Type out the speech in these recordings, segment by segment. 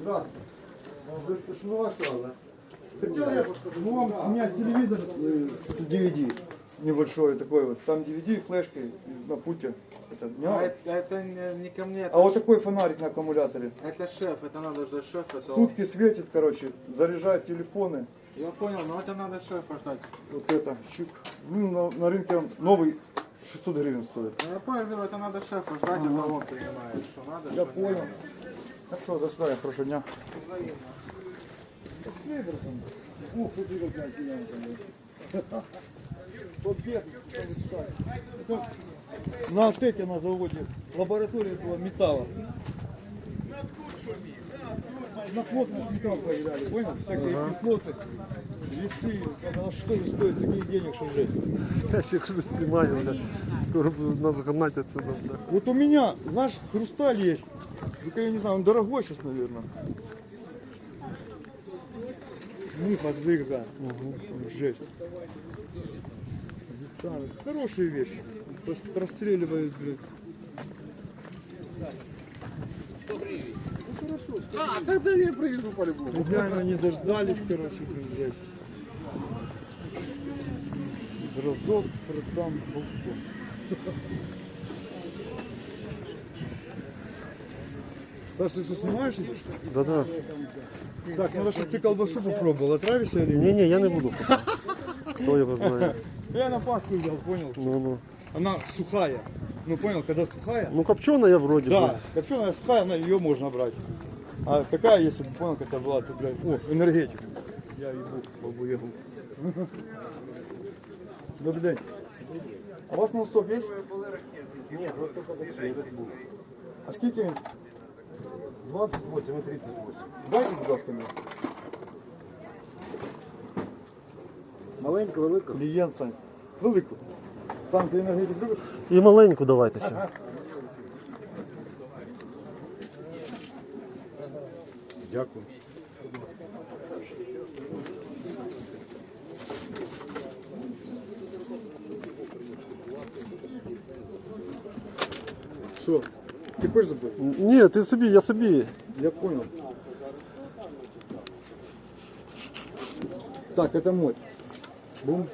Здравствуйте. Ну а что, да? Хотел я, ну, у меня есть телевизор с DVD небольшой такой вот. Там DVD, флешка на пульте. Это, Это не ко мне. а вот такой фонарик на аккумуляторе. Это шеф, это надо ждать шефа. Сутки светит, короче, заряжает телефоны. Я понял, но это надо шефа ждать. Вот это, щик. Ну, на рынке он новый 600 гривен стоит. Ну, я понял, это надо шефа ждать, это он понимает, что надо. Я что понял. нет. Так что, за что я, хорошего дня. Ух, ты какая клиентка. На Алтеке на заводе лаборатория была металла. На плотность металл проверяли, понял? Всякие кислоты, весы. А что же стоит таких денег, что жесть? Я ще хруст снимаю, бля. Скоро буду нас гнать отсюда, бля. Вот у меня, наш хрусталь есть. Только я не знаю, он дорогой сейчас, наверное. Муха зыгда. Жесть. Детали. Хорошие вещи. Просто расстреливают, блядь. А, тогда я приеду по-любому. Реально не дождались, короче, блин, жесть. Разок, продам, балкон. Саш, ты что, снимаешь? Да-да. Так, надо, чтобы ты колбасу попробовал. Отравишься или нет? Не-не, я не буду. Кто его знает. Я на Пасху взял, понял? Ну-ну. Она сухая. Ну, понял, когда сухая? Ну, копченая вроде Да, бы. копченая сухая, ее можно брать. А такая, если бы понял, какая была, то, блядь, о, энергетик. Я ебу, побуехал. Добрый день. А у вас ноутстоп есть? Нет, вот только этот был. А скільки він? 28 и 38. Дайте, будь ласка, мені. Маленьку, велику. Клієнт, Сань. Велику. Сам, ти енергетик любиш? І маленьку давайте ще. Дякую. Що? Ти хочеш забити? Ні, ти собі, я собі. Я понял. Так, это мой. Бум.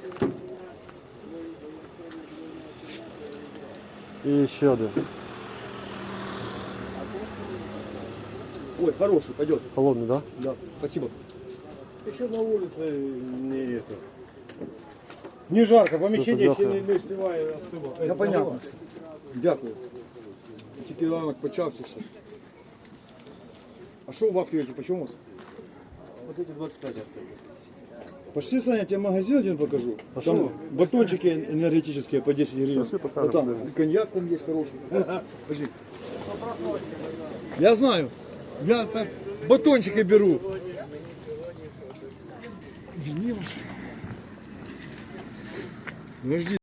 І ще один. Ой, хороший, пойдет. Холодний, да? Да, спасибо. Еще на улице не это. Не жарко, помещение Супер, еще дякую. не успевает остывать. Да понятно. Дякую. Тільки ранок почався ще. А що у вафлі эти, почему у вас? Вот эти 25 оттуда. Пошли, Саня, я тебе магазин один покажу. Пошли. Там батончики энергетические по 10 гривен. Пошли, покажем, Вот там подивимось. и коньяк там есть хороший. Пошли. Я знаю. Я так батончики беру. Подожди.